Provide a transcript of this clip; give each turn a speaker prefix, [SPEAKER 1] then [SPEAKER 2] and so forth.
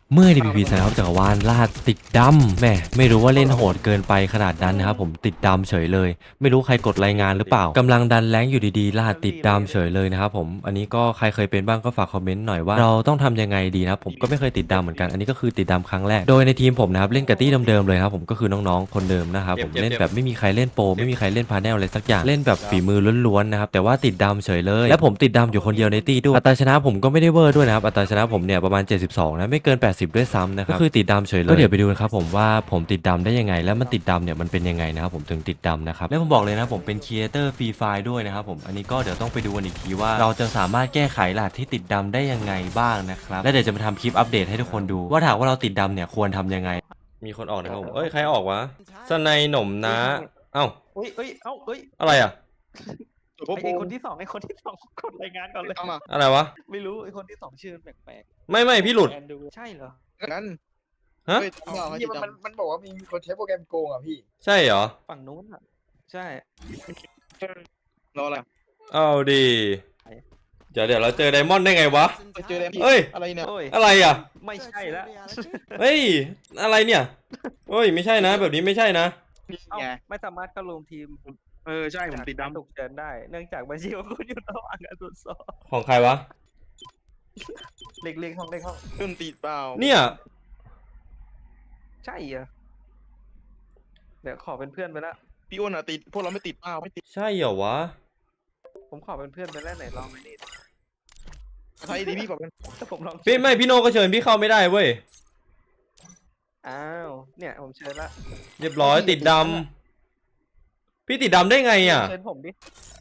[SPEAKER 1] เมื่อ DPP นะครับจักรวาลลาดติดดำแม่ไม่รู้ว่าเล่นโหดเกินไปขนาดนั้นนะครับผมติดดำเฉยเลยไม่รู้ใครกดรายงานหรือเปล่ากำลังดันแรงอยู่ดีๆลาดติดดำเฉยเลยนะครับผมอันนี้ก็ใครเคยเป็นบ้างก็ฝากคอมเมนต์หน่อยว่าเราต้องทำยังไงดีนะครับผมก็ไม่เคยติดดำเหมือนกันอันนี้ก็คือติดดำครั้งแรกโดยในทีมผมนะครับเล่นกับตี้เดิมๆเลยครับผมก็คือน้องๆคนเดิมนะครับผมเล่นแบบไม่มีใครเล่นโปรไม่มีใครเล่นพาแนลอะไรสักอย่างเล่นแบบฝีมือล้วนๆนะครับแต่ว่าติดดำเฉยเลยและผมติดดำอยู่คนเดียวในตี้ด้วยอัตราชนะผมก็ไม่ได้เวอร์ด้วยนะครับอัตราชนะผมเนี่ยประมาณ72นะไม่เกิน80ด้วยซ้ำนะครับก็คือติดดำเฉยเลยก็เดี๋ยวไปดูนะครับผมว่าผมติดดำได้ยังไงและมันติดดำเนี่ยมันเป็นยังไงนะครับผมถึงติดดำนะครับและผมบอกเลยนะผมเป็นครีเอเตอร์ฟรีไฟล์ด้วยนะครับผมอันนี้ก็เดี๋ยวต้องไปดูกันอีกทีว่าเราจะสามารถแก้ไขรหัสที่ติดดำได้ยังไงบ้างนะครับและเดี๋ยวจะมาทำคลิปอัปเดตให้ทุกคนดูว่าถ้าว่าเราติดดำเนี่ยควรทำยังไงมีคนออกนะครับผมเอ้ยใครออกวะสไนหน่มนะเอ้า
[SPEAKER 2] เอ้ยเอ้ยเอ้าเอ้ย
[SPEAKER 1] อะไรอ่ะ
[SPEAKER 2] ไอ้คนที่สองกดรายงานก่อนเลย
[SPEAKER 3] เอามา
[SPEAKER 1] อะไรวะ
[SPEAKER 2] ไม่รู้ไอ้คนที่สองชื่อแปลก
[SPEAKER 1] ไม่พี่หลุด
[SPEAKER 2] แอนดูใช่เหรอ
[SPEAKER 3] งั้น
[SPEAKER 1] ฮะ
[SPEAKER 3] เฮ้ยพี่มันบอกว่ามีคนใช้โปรแกรมโกงอ่ะพี่
[SPEAKER 1] ใช่เหรอ
[SPEAKER 2] ฝั่งนู้นอ่ะ ใช่
[SPEAKER 3] รออะไร
[SPEAKER 1] เอาดีเดี๋ยวเราเจอไดมอนด์ได้ไงวะ
[SPEAKER 3] เจอแล้วพี่
[SPEAKER 1] เอ้ย
[SPEAKER 3] อะไรเนี่ย
[SPEAKER 2] โอ้ย
[SPEAKER 1] อะไรอ่ะ
[SPEAKER 2] ไม่ใช่แล้ว
[SPEAKER 1] เฮ้ยอะไรเนี่ยเฮ้ยไม่ใช่นะแบบนี้ไม่ใช่นะ
[SPEAKER 3] นี่
[SPEAKER 2] เอ้า
[SPEAKER 3] ไง
[SPEAKER 2] ไม่สามารถเข้ารวมทีม
[SPEAKER 3] ใช่ผมติดดำ
[SPEAKER 2] ถูกเชิญได้ เนื่องจากบัญชีของคุณอยู่ระหว่างการตรวจสอบ
[SPEAKER 1] ของใครวะ
[SPEAKER 2] เล็กห้อง
[SPEAKER 3] เริ่มติดเปล่า
[SPEAKER 1] เนี่ย
[SPEAKER 2] ใช่เหรอเดี๋ยวขอเป็นเพื่อนไปละ
[SPEAKER 3] พี่อ้วนอ่ะติดพวกเราไม่ติดเปล่าไม่ติด
[SPEAKER 1] ใช่เหรอวะ
[SPEAKER 2] ผมขอเป็นเพื่อนไปแล้วไหนลองไปดิ
[SPEAKER 3] ใครดีพี่บอกกัน
[SPEAKER 2] ถ้าผมลอง
[SPEAKER 1] พี่โนก็เชิญพี่เข้าไม่ได้เว้ย
[SPEAKER 2] อ้าวเนี่ยผมเชิญละ
[SPEAKER 1] เรียบร้อยติดดำพี่ติดดำได้ไงอ่ะ
[SPEAKER 2] เชิญผมดิ